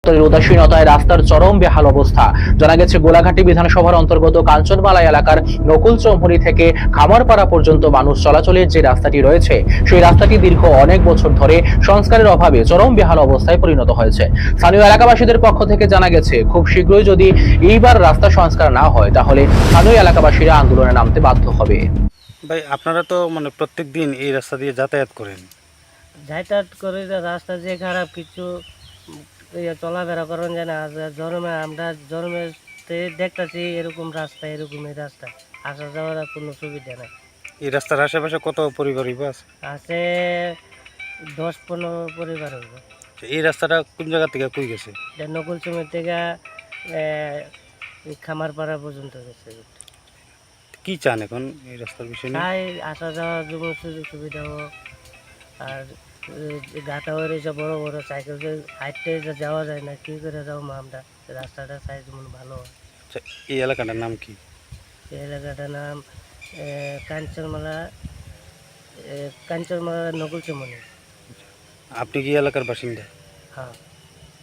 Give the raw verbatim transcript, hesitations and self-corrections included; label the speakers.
Speaker 1: উদাসীনতায় রাস্তার চরম বেহাল অবস্থা। জানা গেছে গোলাঘাটি বিধানসভার অন্তর্গত কাঞ্চনমালা এলাকার নকুলচৌমুহনী থেকে খামারপাড়া পর্যন্ত মানুষ চলাচলের যে রাস্তাটি রয়েছে, সেই রাস্তাটি দীর্ঘ অনেক বছর ধরে সংস্কারের অভাবে চরম বেহাল অবস্থায় পরিণত হয়েছে। স্থানীয় এলাকাবাসীদের পক্ষ থেকে জানা গেছে, খুব শীঘ্রই যদি এইবার রাস্তা সংস্কার না হয়, তাহলে স্থানীয় এলাকাবাসীরা আন্দোলনে নামতে বাধ্য হবে।
Speaker 2: ভাই, আপনারা তো মানে প্রত্যেক দিন এই রাস্তা দিয়ে যাতায়াত করেন।
Speaker 3: যাতায়াত করে রাস্তা যে খারাপ, কিছু ইয়ে চলাফেরা করেন যায় না। জন্মে আমরা জন্মে দেখতেছি এরকম রাস্তা, এরকমই রাস্তা, আসা যাওয়ার কোনো সুবিধা নেই।
Speaker 2: এই রাস্তার আশেপাশে কত পরিবার আছে?
Speaker 3: আছে দশ পনেরো পরিবার হইব।
Speaker 2: এই রাস্তাটা কোন জায়গা থেকে কই গেছে?
Speaker 3: নকুলচুমের থেকে খামারপাড়া পর্যন্ত গেছে।
Speaker 2: কি চান এখন এই রাস্তার বিষয়ে?
Speaker 3: তাই আসা যাওয়ার জন্য সুযোগ সুবিধা হোক। আর গাটা হয়ে রয়েছে বড় বড়, সাইকেল হাইটে যাওয়া যায় না, কি করে যাবো আমরা? রাস্তাটা সাইজ মনে ভালো হয়।
Speaker 2: আচ্ছা, এই এলাকাটার নাম কি?
Speaker 3: এই এলাকাটার নাম কাঞ্চনমালা, কাঞ্চনমালা নকুলচৌমুহনী।
Speaker 2: আপনি কি এলাকার বাসিন্দা?
Speaker 3: হ্যাঁ।